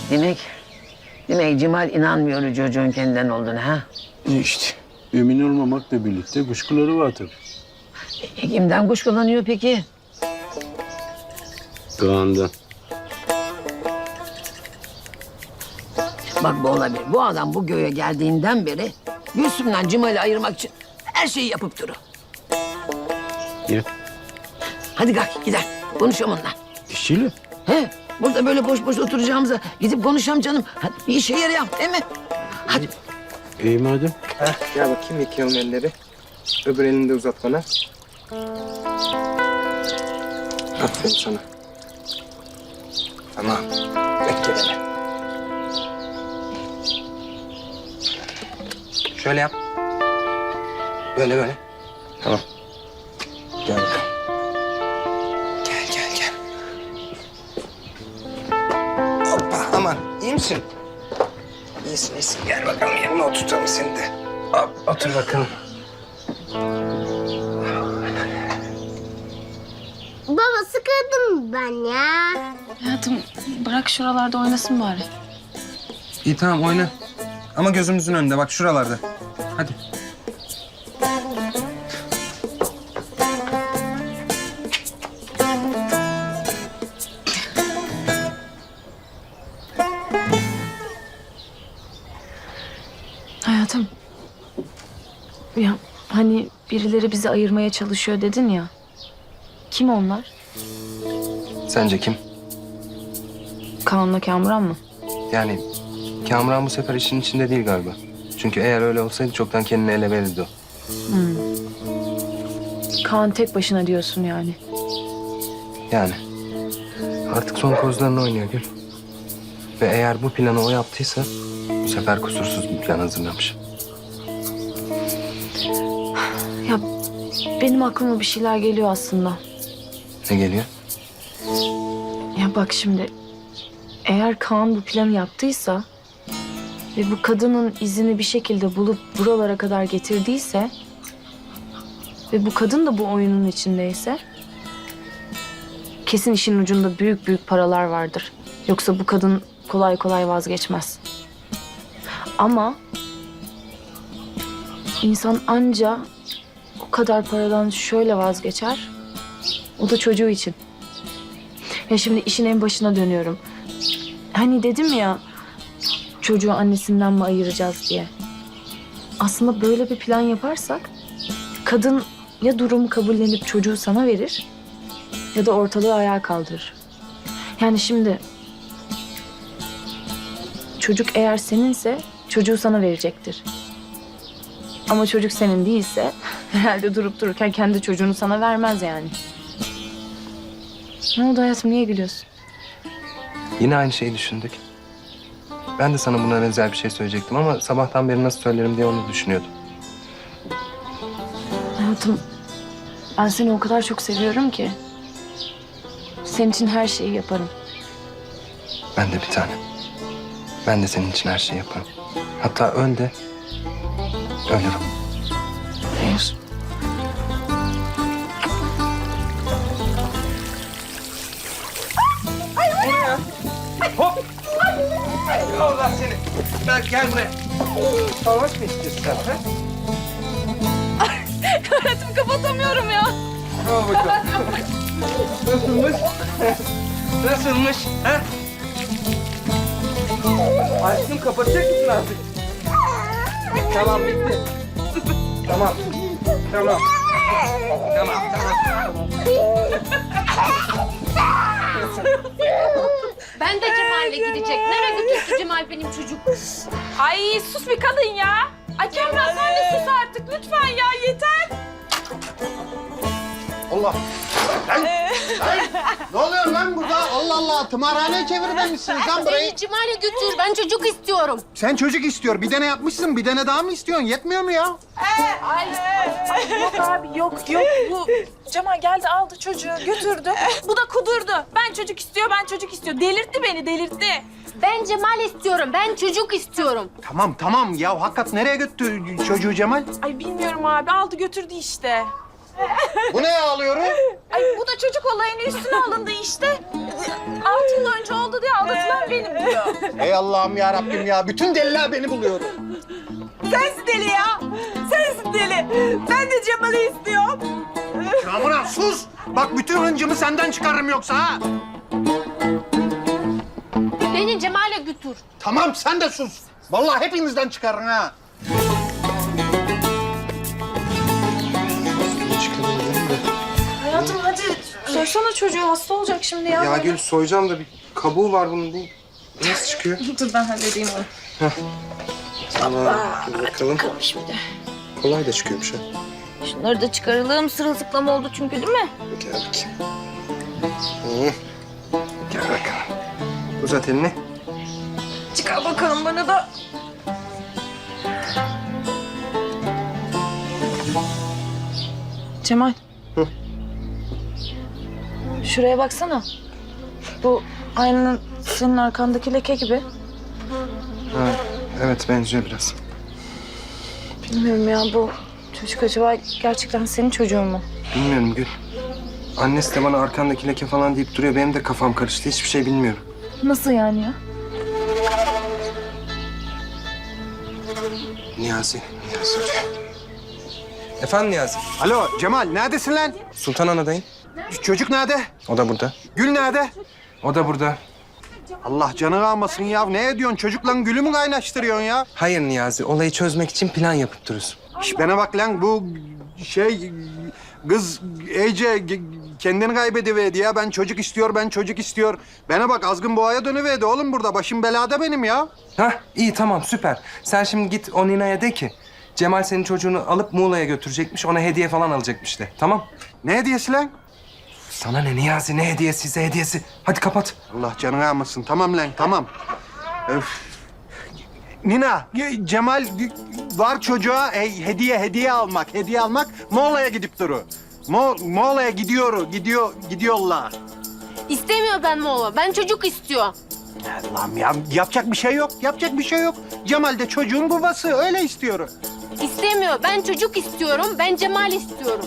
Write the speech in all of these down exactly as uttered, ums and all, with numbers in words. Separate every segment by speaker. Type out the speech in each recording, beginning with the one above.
Speaker 1: Demek, demek Cemal inanmıyor çocuğun kendinden olduğuna ha?
Speaker 2: İşte emin olmamakla birlikte kuşkuları var tabii.
Speaker 1: E, kimden kuşkulanıyor peki?
Speaker 2: Doğan'dan.
Speaker 1: Bak bu olabilir. Bu adam bu göğe geldiğinden beri Gülsüm'den Cemal'i ayırmak için her şeyi yapıp durur.
Speaker 2: Ya
Speaker 1: Hadi kalk gidelim. Konuşalım onunla.
Speaker 2: işçiyle.
Speaker 1: He? Burada böyle boş boş oturacağımıza gidip konuşalım canım. Hadi bir işe yarayalım değil mi? Hadi.
Speaker 2: İyi madem.
Speaker 3: Heh, gel bakayım yıkayalım elleri. Öbür elini de uzat bana. Aferin sana. Tamam. Bekle beni. Şöyle yap. Böyle böyle. Tamam. Gel bakalım. Gel gel gel. Hoppa aman iyi misin? İyisin iyisin. Gel bakalım yanına oturtalım seni de. Hop otur bakalım.
Speaker 4: Baba sıkıldım ben ya.
Speaker 5: Hayatım bırak şuralarda oynasın bari.
Speaker 3: İyi tamam oyna. Ama gözümüzün önünde bak şuralarda. Hadi.
Speaker 5: Hayatım. Ya hani birileri bizi ayırmaya çalışıyor dedin ya. Kim onlar?
Speaker 3: Sence kim?
Speaker 5: Kaan'la Kamuran mı?
Speaker 3: Yani Kamuran bu sefer işin içinde değil galiba. Çünkü eğer öyle olsaydı çoktan kendini ele verirdi o.
Speaker 5: Kaan tek başına diyorsun yani.
Speaker 3: Yani artık son kozlarını oynuyor Gül. Ve eğer bu planı o yaptıysa bu sefer kusursuz bir plan hazırlamış.
Speaker 5: Ya benim aklıma bir şeyler geliyor aslında.
Speaker 3: Ne geliyor?
Speaker 5: Ya bak şimdi eğer Kaan bu planı yaptıysa ve bu kadının izini bir şekilde bulup buralara kadar getirdiyse ve bu kadın da bu oyunun içindeyse kesin işin ucunda büyük büyük paralar vardır. Yoksa bu kadın kolay kolay vazgeçmez. Ama insan anca o kadar paradan şöyle vazgeçer. O da çocuğu için. Ya şimdi işin en başına dönüyorum. Hani dedim ya çocuğu annesinden mi ayıracağız diye. Aslında böyle bir plan yaparsak kadın ya durumu kabullenip çocuğu sana verir ya da ortalığı ayağa kaldırır. Yani şimdi çocuk eğer seninse çocuğu sana verecektir. Ama çocuk senin değilse herhalde durup dururken kendi çocuğunu sana vermez yani. Ne oldu hayatım, niye gülüyorsun?
Speaker 3: Yine aynı şeyi düşündük. Ben de sana buna benzer bir şey söyleyecektim ama sabahtan beri nasıl söylerim diye onu düşünüyordum.
Speaker 5: Hayatım, ben seni o kadar çok seviyorum ki. Senin için her şeyi yaparım.
Speaker 3: Ben de bir tane. Ben de senin için her şeyi yaparım. Hatta öl de ölürüm.
Speaker 5: Hayır.
Speaker 3: Hop! Allah seni. Ben gel buraya. Savaş mı istiyorsun sen? Ha?
Speaker 5: Hayatım kapatamıyorum ya.
Speaker 3: Al bakalım. Nasılmış? Nasılmış? Ha? Aşkım kapatacak mısın artık? Tamam bitti. Tamam. Tamam. Tamam tamam.
Speaker 6: Ben de Cemal'le gidecek. Nereye götürsün Cemal benim çocuk?
Speaker 7: Ay sus bir kadın ya. Ay Kamran sen de sus artık lütfen ya yeter.
Speaker 8: Allah! Lan! Lan! Ne oluyor lan burada? Allah Allah! Tımarhaneye çevirmemişsiniz lan burayı.
Speaker 6: Beni Cemal'e götür. Ben çocuk istiyorum.
Speaker 8: Sen çocuk istiyor. Bir tane yapmışsın. Bir tane daha mı istiyorsun? Yetmiyor mu ya?
Speaker 7: Ay, ay yok abi yok yok bu Cemal geldi aldı çocuğu götürdü. Bu da kudurdu. Ben çocuk istiyor ben çocuk istiyor. Delirtti beni delirtti.
Speaker 6: Ben Cemal istiyorum. Ben çocuk istiyorum.
Speaker 8: Tamam tamam. Ya hakikat nereye götürdü çocuğu Cemal?
Speaker 7: Ay bilmiyorum abi aldı götürdü işte.
Speaker 8: Bu ne ağlıyorum?
Speaker 7: Ay bu da çocuk olayının üstüne alındı işte. Altı yıl önce oldu diye aldatılan benim. beni buluyor.
Speaker 8: Ey Allah'ım ya Rabbim ya. Bütün deliler beni buluyor.
Speaker 7: Sensin deli ya. Sensin deli. Ben de Cemal'i istiyorum.
Speaker 8: Kamuran sus. Bak bütün hıncımı senden çıkarırım yoksa ha.
Speaker 6: Beni Cemal'e götür.
Speaker 8: Tamam sen de sus. Vallahi hepinizden çıkarırım ha.
Speaker 5: Hayatım hadi sorsana çocuğu hasta olacak şimdi ya.
Speaker 3: Ya Gül soyacağım da bir kabuğu var bunun değil. Nasıl çıkıyor?
Speaker 5: Dur ben halledeyim onu.
Speaker 3: Tamam. Dur bakalım. Kolay da çıkıyormuş ha.
Speaker 6: Şunları da çıkaralım. Sırılsıklam oldu çünkü değil mi?
Speaker 3: Gel bakayım. Hı. Gel bakalım. Uzat elini.
Speaker 5: Çıkar bakalım bana da. Cemal.
Speaker 3: Hı.
Speaker 5: Şuraya baksana. Bu aynanın senin arkandaki leke gibi.
Speaker 3: Ha, evet benziyor biraz.
Speaker 5: Bilmiyorum ya bu çocuk acaba gerçekten senin çocuğun mu?
Speaker 3: Bilmiyorum Gül. Annesi de bana arkandaki leke falan deyip duruyor. Benim de kafam karıştı. Hiçbir şey bilmiyorum.
Speaker 5: Nasıl yani ya?
Speaker 3: Niyazi. Niyazi arıyor. Efendim Niyazi?
Speaker 8: Alo Cemal neredesin lan?
Speaker 3: Sultan Ana'dayım.
Speaker 8: Çocuk nerede?
Speaker 3: O da burada.
Speaker 8: Gül nerede?
Speaker 3: O da burada.
Speaker 8: Allah canını almasın ya. Ne ediyorsun? Çocukla Gül'ü mü kaynaştırıyorsun ya?
Speaker 3: Hayır Niyazi. Olayı çözmek için plan yapıp duruyoruz.
Speaker 8: Şş, bana bak lan bu şey kız iyice kendini kaybediverdi ya. Ben çocuk istiyor, ben çocuk istiyor. Bana bak azgın boğaya dönüverdi oğlum burada. Başım belada benim ya.
Speaker 3: Hah iyi tamam süper. Sen şimdi git o Nina'ya de ki Cemal senin çocuğunu alıp Muğla'ya götürecekmiş. Ona hediye falan alacakmış de. Tamam?
Speaker 8: Ne hediyesi lan?
Speaker 3: Sana ne Niyazi ne hediyesi size hediyesi. Hadi kapat.
Speaker 8: Allah canını almasın. Tamam lan tamam. Öf. Nina, Cemal var çocuğa e, hediye hediye almak, hediye almak. Moğola'ya gidip duru. Mo Moğola'ya gidiyor, gidiyor, gidiyorlar.
Speaker 6: İstemiyor ben Moğol'a. Ben çocuk istiyor.
Speaker 8: Allah'ım ya yapacak bir şey yok, yapacak bir şey yok. Cemal de çocuğun babası, öyle istiyor.
Speaker 6: İstemiyor. Ben çocuk istiyorum. Ben Cemal istiyorum.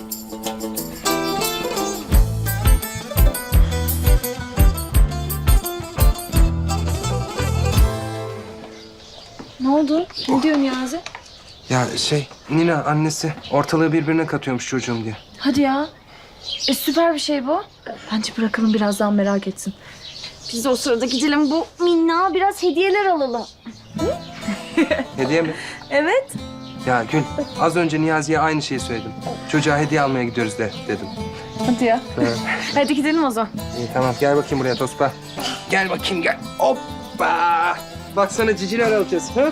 Speaker 5: Ne oldu? Ne diyor Niyazi?
Speaker 3: Ya şey Nina annesi ortalığı birbirine katıyormuş çocuğum diye.
Speaker 5: Hadi ya. E süper bir şey bu. Bence bırakalım birazdan merak etsin. Biz de o sırada gidelim bu minnağa biraz hediyeler alalım.
Speaker 3: Hediye mi?
Speaker 5: Evet.
Speaker 3: Ya Gül az önce Niyazi'ye aynı şeyi söyledim. Çocuğa hediye almaya gidiyoruz de dedim.
Speaker 5: Hadi ya.
Speaker 3: Evet.
Speaker 5: Hadi gidelim o zaman.
Speaker 3: İyi tamam gel bakayım buraya Tospa. Gel bakayım gel. Hoppa. Bak sana ciciler alacağız. Ha?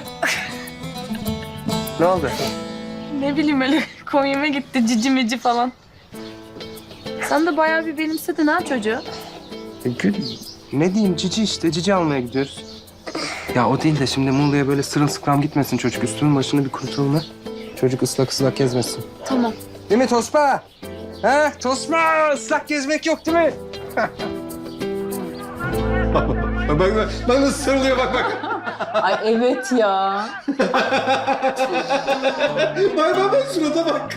Speaker 3: Ne oldu?
Speaker 5: Ne bileyim öyle komiğime gitti cici mici falan. Sen de bayağı bir benimsedin ha çocuğu.
Speaker 3: E, Gül ne diyeyim cici işte cici almaya gidiyoruz. Ya o değil de şimdi Muğla'ya böyle sırılsıklam gitmesin çocuk. Üstünün başını bir kurutalım ha. Çocuk ıslak ıslak gezmesin.
Speaker 5: Tamam.
Speaker 3: Değil mi Tospa? Ha Tospa ıslak gezmek yok değil mi?
Speaker 8: Bak bak, bak nasıl sarılıyor bak bak.
Speaker 7: Ay evet ya.
Speaker 8: Bak bak bak surata bak.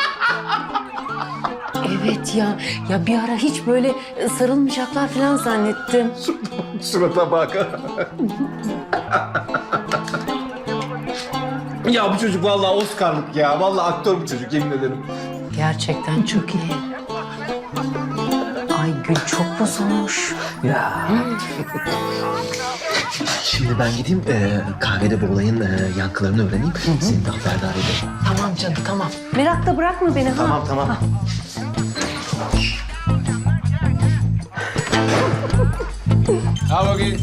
Speaker 9: Evet ya. Ya bir ara hiç böyle sarılmayacaklar falan zannettim.
Speaker 8: Surata bak. Ya bu çocuk vallahi Oscar'lık ya. Vallahi aktör bu çocuk yemin ederim.
Speaker 9: Gerçekten çok iyi. Ay Gül çok bozulmuş.
Speaker 10: Ya. Şimdi ben gideyim e, kahvede bu olayın e, yankılarını öğreneyim. Seni de haberdar ederim.
Speaker 9: Tamam canım tamam. Merakla bırakma beni ha.
Speaker 10: Tamam tamam.
Speaker 2: Al bakayım.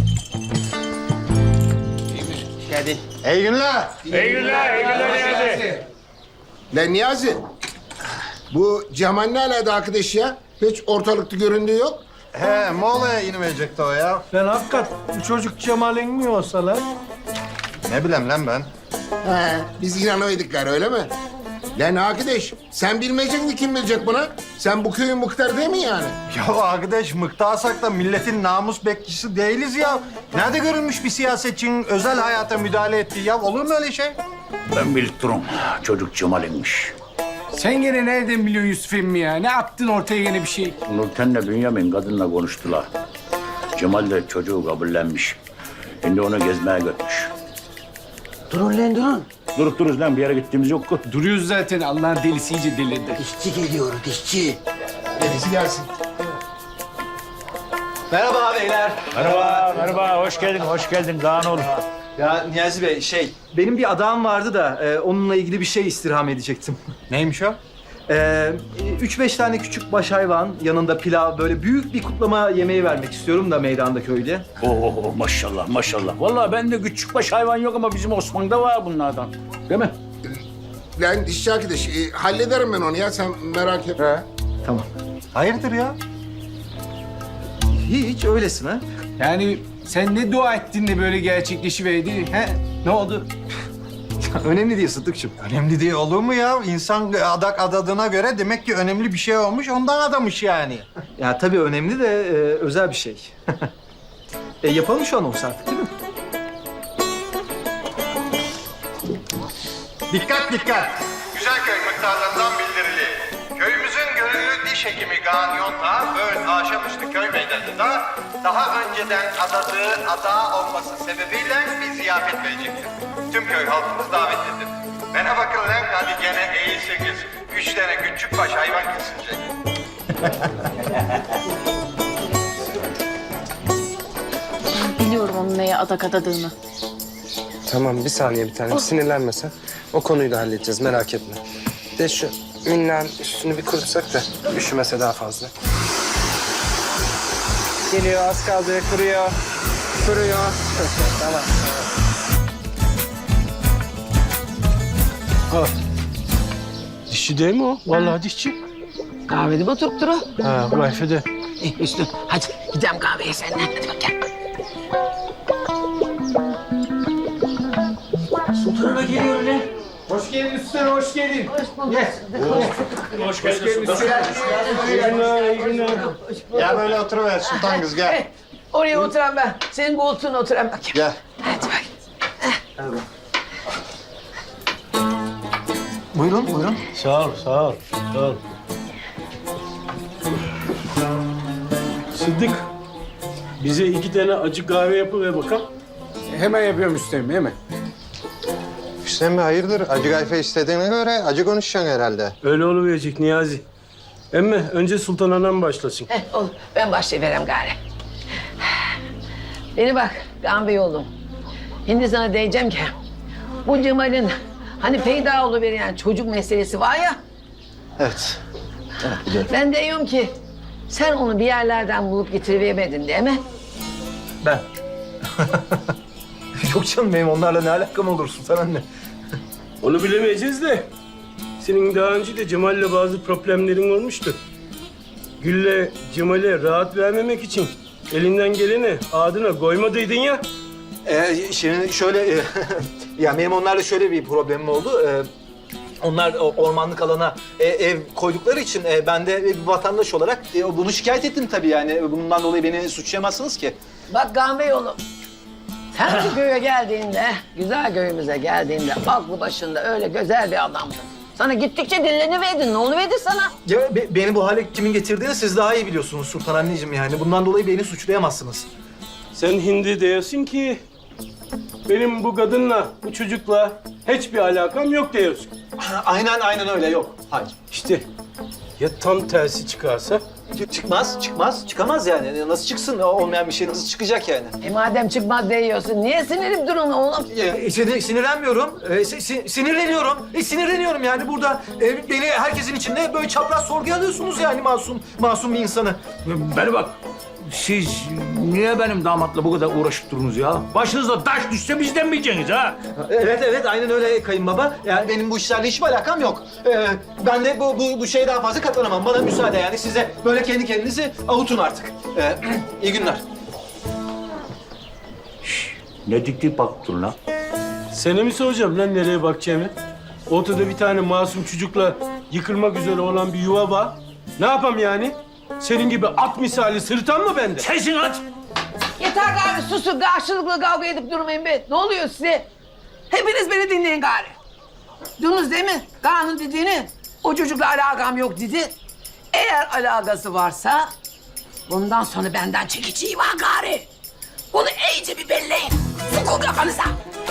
Speaker 8: Hadi. İyi günler.
Speaker 2: İyi günler, iyi günler Niyazi.
Speaker 11: Lan Niyazi, bu Cemal ne alaka arkadaş ya? Hiç ortalıkta göründüğü yok.
Speaker 8: He Moğola'ya inmeyecekti o ya.
Speaker 2: Lan hakikat bu çocuk Cemal'in mi olsa lan?
Speaker 8: Ne bileyim lan ben.
Speaker 11: He, biz inanıyorduk gari öyle mi? Lan arkadaş, sen bilmeyecek mi kim bilecek buna? Sen bu köyün muhtarı değil mi yani?
Speaker 8: Ya arkadaş mıktasak da milletin namus bekçisi değiliz ya. Nerede görülmüş bir siyasetçinin özel hayata müdahale ettiği ya? Olur mu öyle şey?
Speaker 12: Ben bildirim. Çocuk Cemal'inmiş.
Speaker 2: Sen gene nereden biliyorsun Yusuf emmi ya? Ne attın ortaya gene bir şey?
Speaker 12: Nurten'le Bünyamin kadınla konuştular. Cemal de çocuğu kabullenmiş. Şimdi onu gezmeye götmüş.
Speaker 1: Durun lan durun.
Speaker 12: Durup dururuz lan bir yere gittiğimiz yok ki.
Speaker 2: Duruyoruz zaten. Allah'ın delisi iyice delirdi.
Speaker 1: Dişçi geliyor dişçi.
Speaker 11: Dedesi gelsin.
Speaker 10: Merhaba beyler.
Speaker 12: Merhaba, merhaba. Hoş geldin, hoş geldin. Kaan oğlum.
Speaker 10: Ya Niyazi Bey şey, benim bir adağım vardı da e, onunla ilgili bir şey istirham edecektim.
Speaker 8: Neymiş o?
Speaker 10: Ee, üç beş tane küçük baş hayvan, yanında pilav, böyle büyük bir kutlama yemeği vermek istiyorum da meydanda köyde.
Speaker 12: Oo maşallah, maşallah. Vallahi bende küçük baş hayvan yok ama bizim Osman'da var bunlardan. Değil mi?
Speaker 11: Lan dişçi arkadaş, e, hallederim ben onu ya, sen merak etme.
Speaker 10: Tamam.
Speaker 8: Hayırdır ya?
Speaker 10: Hiç öylesine.
Speaker 2: Yani sen ne dua ettin de böyle gerçekleşiverdi? He? Ne oldu?
Speaker 10: Önemli değil Sıddıkçım.
Speaker 8: Önemli değil olur mu ya? İnsan adak adadığına göre demek ki önemli bir şey olmuş, ondan adamış yani.
Speaker 10: Ya tabii önemli de e, özel bir şey. e, yapalım şu anonsu artık değil mi?
Speaker 8: Dikkat dikkat!
Speaker 13: Güzelköy muhtarlarından bildirili. Köyümüzün gönüllü diş hekimi Kaan Yonta, Böğün Aşamışlı köy meydanında daha önceden adadığı ada olması sebebiyle bir ziyafet verecektir. Tüm köy halkımız davetlidir. Bana bakın lan, hadi gene eğilseniz. Üç tane küçük baş hayvan kesilecek.
Speaker 5: Biliyorum onun neye adak adadığını.
Speaker 3: Tamam bir saniye bir tane sinirlenme sen. O konuyu da halledeceğiz merak etme. De şu minnanın üstünü bir kurutsak da üşümese daha fazla. Geliyor az kaldı kuruyor. Kuruyor. Tamam.
Speaker 2: Dişçi değil mi o? Vallahi dişçi.
Speaker 1: Kahvede mi oturup duru?
Speaker 2: Ha, kayfede.
Speaker 1: Eh, Hüsnü hadi gidelim kahveye seninle. Hadi bak gel. Sultan'a geliyor lan.
Speaker 2: Hoş geldin üstüne, hoş geldin.
Speaker 1: Hoş bulduk.
Speaker 12: Hoş geldin.
Speaker 8: Ya böyle oturuver sultan kız gel.
Speaker 1: Eh, oraya oturan ben. Senin koltuğuna oturan bakayım.
Speaker 8: Gel.
Speaker 1: Hadi bak.
Speaker 10: Buyurun buyurun.
Speaker 2: Sağ ol, sağ ol, sağ ol. Sıddık, bize iki tane acı kahve yapıver bakalım. Hemen yapıyorum üstelim, hemen.
Speaker 8: Hüseyin Bey hayırdır? Acı gayfe istediğine göre acı konuşacaksın herhalde.
Speaker 2: Öyle oluverecek Niyazi. Emme önce Sultan Anam başlasın.
Speaker 1: Eh, olur. Ben başlayıverem gari. Beni bak Gamze oğlum. Şimdi sana diyeceğim ki bu Cemal'in hani peyda oluveren çocuk meselesi var ya.
Speaker 10: Evet.
Speaker 1: Ben de diyorum ki sen onu bir yerlerden bulup getiriveremedin değil mi?
Speaker 10: Ben. Yok canım benim onlarla ne alakam olur Sultan anne?
Speaker 2: Onu bilemeyeceğiz de senin daha önce de Cemal'le bazı problemlerin olmuştu. Gül'le Cemal'e rahat vermemek için elinden geleni adına koymadıydın ya.
Speaker 10: Ee, şimdi şöyle, e, ya benim onlarla şöyle bir problemim oldu. Ee, onlar o ormanlık alana e, ev koydukları için e, ben de bir vatandaş olarak e, bunu şikayet ettim tabii yani. Bundan dolayı beni suçlayamazsınız ki.
Speaker 1: Bak Gamze oğlum. Sen bu köye geldiğinde, güzel köyümüze geldiğinde aklı başında öyle güzel bir adamdın. Sana gittikçe dinleniverdin. Ne oluverdi sana?
Speaker 10: Ya be- beni bu hale kimin getirdiğini siz daha iyi biliyorsunuz Sultan anneciğim yani. Bundan dolayı beni suçlayamazsınız.
Speaker 2: Sen hindi diyorsun ki benim bu kadınla, bu çocukla hiçbir alakam yok diyorsun.
Speaker 10: Aynen aynen öyle yok. Hayır.
Speaker 2: İşte ya tam tersi çıkarsa?
Speaker 10: Çıkmaz, çıkmaz. Çıkamaz yani. Nasıl çıksın? Olmayan bir şey nasıl çıkacak yani?
Speaker 1: E madem çıkmaz diyorsun, niye sinirip durun oğlum?
Speaker 10: E, sinir, sinirlenmiyorum. E, si- si- sinirleniyorum. E, sinirleniyorum yani burada. E, beni herkesin içinde böyle çapraz sorguya alıyorsunuz yani masum, masum bir insanı.
Speaker 12: Beni bak. Siz niye benim damatla bu kadar uğraşıp durunuz ya? Başınıza taş düşse bizden mi yiyeceksiniz ha?
Speaker 10: Evet evet aynen öyle kayınbaba. Yani benim bu işlerle hiçbir alakam yok. Ee, ben de bu, bu, bu şeye daha fazla katlanamam. Bana müsaade yani size böyle kendi kendinizi avutun artık. Ee, iyi günler.
Speaker 12: Ne dik dik bakıp durun lan?
Speaker 2: Sana mi soracağım lan nereye bakacağımı? Ortada bir tane masum çocukla yıkılmak üzere olan bir yuva var. Ne yapayım yani? Senin gibi at misali sırıtan mı bende?
Speaker 12: Sensin at!
Speaker 1: Yeter gari susun, karşılıklı kavga edip durmayın be. Ne oluyor size? Hepiniz beni dinleyin gari. Duydunuz değil mi? Kaan'ın dediğini. O çocukla alakam yok dedi. Eğer alakası varsa bundan sonra benden çekeceği var gari. Bunu iyice bir belleyin. Sokun kafanıza.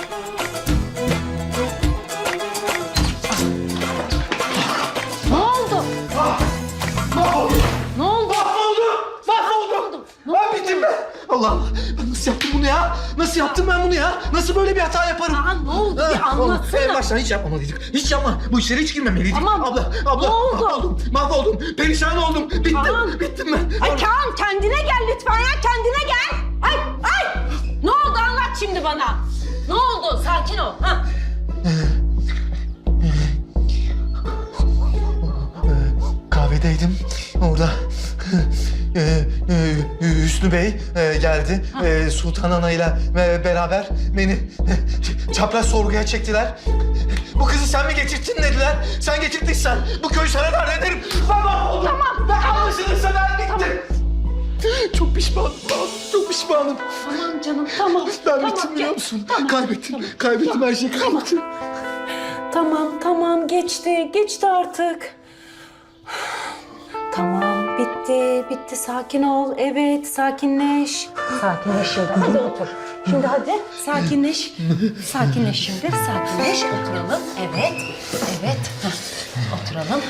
Speaker 9: Ne oldu?
Speaker 10: Mahvoldum.
Speaker 9: Ne oldu?
Speaker 10: Mahvoldum. Mahvoldum. Ben bittim ben. Allah'ım ben nasıl yaptım bunu ya? Nasıl yaptım ben bunu ya? Nasıl böyle bir hata yaparım?
Speaker 9: Aa, ne oldu? Bir
Speaker 10: Ha,
Speaker 9: anlatsana.
Speaker 10: En baştan hiç yapmamalıydık. Hiç yapma. Bu işlere hiç girmemeliydik.
Speaker 9: Tamam.
Speaker 10: Abla, abla.
Speaker 9: Ne oldu?
Speaker 10: Mahvoldum. Mahvoldum. Perişan oldum. Bittim.
Speaker 9: Tamam.
Speaker 10: Bittim ben.
Speaker 7: Ay Kaan kendine gel lütfen ya kendine gel. Ay ay. Ne oldu anlat şimdi bana.
Speaker 9: Ne oldu? Sakin ol. Ha?
Speaker 10: Kahvedeydim. Orada e, e, Hüsnü Bey e, geldi. E, Sultan Ana ile e, beraber beni e, çapraz sorguya çektiler. Bu kızı sen mi getirttin dediler. Sen getirdiysen bu köyü sana dar ederim. Ben mahvoldum. Tamam. Ben anlaşılırsa ben bittim. Çok pişmanım. Çok pişmanım.
Speaker 9: Tamam canım tamam.
Speaker 10: Ben
Speaker 9: tamam,
Speaker 10: bittim biliyor
Speaker 9: gel.
Speaker 10: musun?
Speaker 9: Tamam,
Speaker 10: kaybettim.
Speaker 9: tamam.
Speaker 10: Kaybettim her şeyi kaybettim.
Speaker 7: Tamam tamam geçti geçti artık. Tamam bitti bitti sakin ol evet sakinleş. Sakinleş şimdi hadi otur. Şimdi hadi sakinleş. Sakinleş şimdi sakinleş oturalım. Evet evet Heh, oturalım.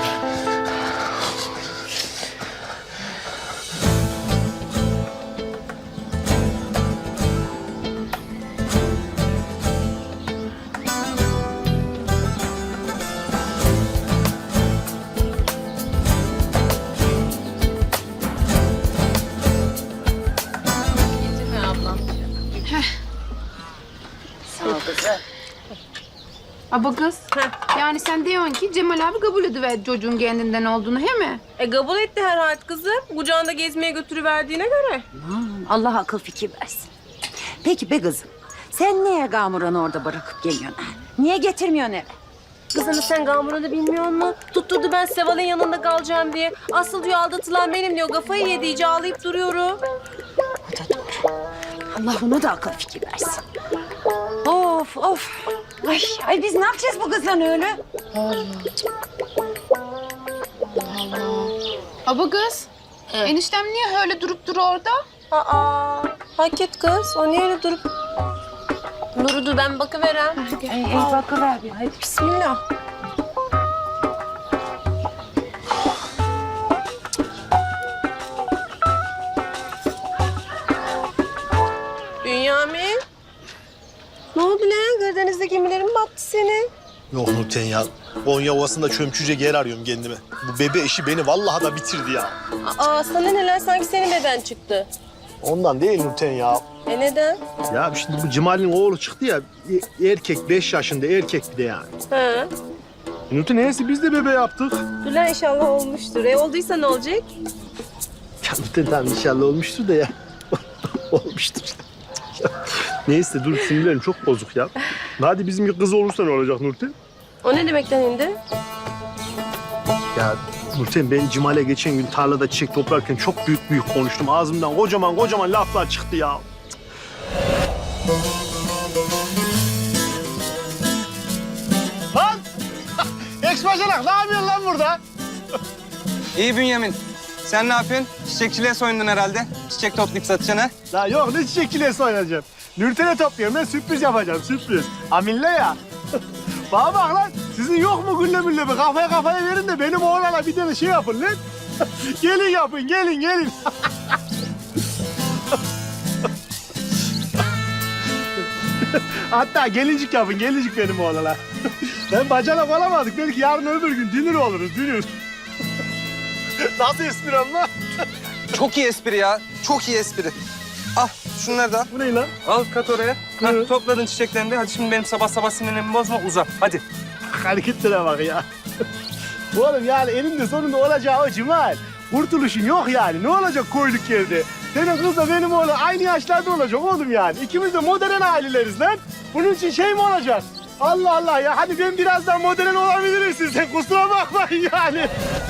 Speaker 5: Aba kız. Yani sen diyorsun ki Cemal abi kabul ediver çocuğun kendinden olduğunu, he mi?
Speaker 7: E kabul etti herhalde kızım. Kucağında gezmeye götürüverdiğine göre.
Speaker 14: Allah akıl fikir versin. Peki be kızım, sen niye Gamuran'ı orada bırakıp geliyorsun? ha? Niye getirmiyorsun eve?
Speaker 7: Kızını sen Gamuran'ı bilmiyor musun? Tutturdu ben Seval'in yanında kalacağım diye. Asıl diyor aldatılan benim diyor. Kafayı yedi iyice ağlayıp duruyorum.
Speaker 14: O da doğru. Allah ona da akıl fikir versin. Of of. Ay, ay biz ne yapacağız bu kızla öyle?
Speaker 5: Aba kız. Eniştem niye öyle durup duru orada?
Speaker 7: Aa, hak et kız. O niye öyle durup... Durudu ben bakıverem.
Speaker 14: Ay, ay bakıver bir.
Speaker 7: Hadi bismillah. Bünyamin. Ne oldu lan? Karadeniz'de gemilerin mi battı senin?
Speaker 15: Yok Nurten ya. Konya Ovası'nda çömçüce yer arıyorum kendime. Bu bebe işi beni vallahi da bitirdi ya.
Speaker 7: Aa sana neler sanki senin beben çıktı.
Speaker 15: Ondan değil Nurten ya.
Speaker 7: E neden?
Speaker 15: Ya şimdi bu Cemal'in oğlu çıktı ya. e- Erkek, beş yaşında erkek bir de yani.
Speaker 7: Ha.
Speaker 15: Nurten neyse biz de bebe yaptık.
Speaker 7: Dur lan inşallah olmuştur. E olduysa ne olacak?
Speaker 15: Ya Nurten tamam inşallah olmuştur da ya. Olmuştur. Neyse dur sinirlerim çok bozuk ya. Hadi bizim bir kız olursa ne olacak Nurten?
Speaker 7: O ne demekten indi?
Speaker 15: Ya Nurten ben Cemal'e geçen gün tarlada çiçek toplarken çok büyük büyük konuştum. Ağzımdan kocaman kocaman laflar çıktı ya. Lan! Ex-bacanak ne yapıyorsun lan burada?
Speaker 3: İyi Bünyamin. Sen ne yapıyorsun? Çiçekçiliğe soyundun herhalde. Çiçek toplayıp satacaksın ha?
Speaker 15: La yok ne çiçekçiliğe soyunacağım. Nurten'e topluyorum ben sürpriz yapacağım sürpriz. Aminle ya. Bana bak lan sizin yok mu gülle mülle bir kafaya kafaya verin de benim oğlana bir tane şey yapın lan. Gelin yapın gelin gelin. Hatta gelincik yapın gelincik benim oğlana. Ben bacanak olamadık belki yarın öbür gün dünür oluruz dünür. Nasıl espri ama?
Speaker 3: Çok iyi espri ya. Çok iyi espri. Al şunları da al.
Speaker 15: Bu ne lan?
Speaker 3: Al kat oraya. Ha, topladın çiçeklerini de. Hadi şimdi benim sabah sabah sinirlerimi bozma uza. Hadi.
Speaker 15: Hareketlere bak ya. Oğlum yani elinde sonunda olacağı o Cemal. Kurtuluşun yok yani. Ne olacak koyduk yerde? Senin kızla benim oğlan aynı yaşlarda olacak oğlum yani. İkimiz de modern aileleriz lan. Bunun için şey mi olacak? Allah Allah ya. Hadi ben birazdan modern olabilirim sizden. Kusura bakmayın yani.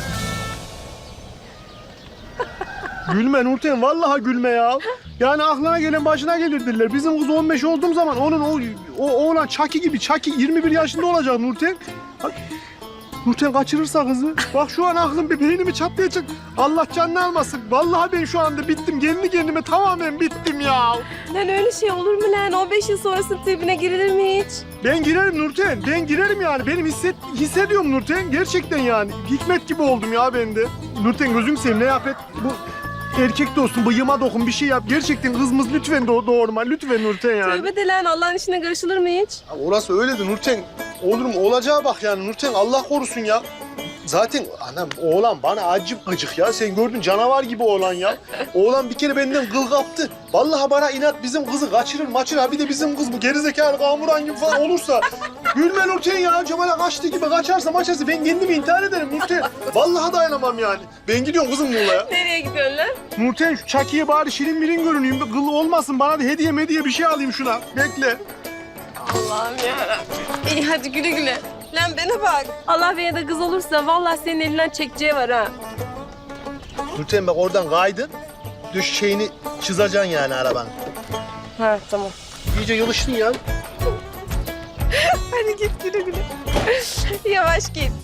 Speaker 15: Gülme Nurten, vallahi gülme ya. Yani aklına gelen başına gelir derler. Bizim kız on beş olduğum zaman onun o, o oğlan Çaki gibi, Çaki yirmi bir yaşında olacak Nurten. Nurten kaçırırsa kızı. Bak şu an aklım bir beynimi çatlayacak. Allah canını almasın. Vallahi ben şu anda bittim. Kendi kendime tamamen bittim ya.
Speaker 5: Lan öyle şey olur mu lan? on beş yıl sonrasının tribine girilir mi hiç?
Speaker 15: Ben girerim Nurten. Ben girerim yani. Benim hisset, hissediyorum Nurten. Gerçekten yani. Hikmet gibi oldum ya ben de. Nurten gözüm seveyim ne yap et. Bu erkek dostum bıyığıma dokun bir şey yap. Gerçekten kızımız lütfen doğ doğurma. Lütfen Nurten yani.
Speaker 5: Tövbe de lan Allah'ın işine karışılır mı hiç?
Speaker 15: Ya orası öyledir Nurten. Olur mu? Olacağı bak yani Nurten. Allah korusun ya. Zaten anam oğlan bana acip gıcık ya. Sen gördün canavar gibi oğlan ya. Oğlan bir kere benden kıl kaptı. Vallahi bana inat bizim kızı kaçırır maçır. Bir de bizim kız bu gerizekalı kamuran gibi falan olursa. Gülme Nurten ya. Cemal'e kaçtı gibi kaçarsa maçarsa ben kendimi intihar ederim Nurten. Vallahi dayanamam yani. Ben gidiyorum kızım Muğla'ya.
Speaker 5: Nereye gidiyorsun lan?
Speaker 15: Nurten şu Çaki'ye bari şirin mirin görüneyim. Kıl olmasın bana da hediye mediye bir şey alayım şuna. Bekle.
Speaker 5: Allah'ım yarabbim. İyi hadi güle güle. Lan bana bak. Allah bana da kız olursa vallahi senin elinden çekeceği var ha.
Speaker 15: Nurten bak oradan kaydın. Düş şeyini çizeceksin yani arabanın.
Speaker 5: Ha tamam.
Speaker 15: İyice yılıştın ya.
Speaker 5: Hadi git güle güle. Yavaş git.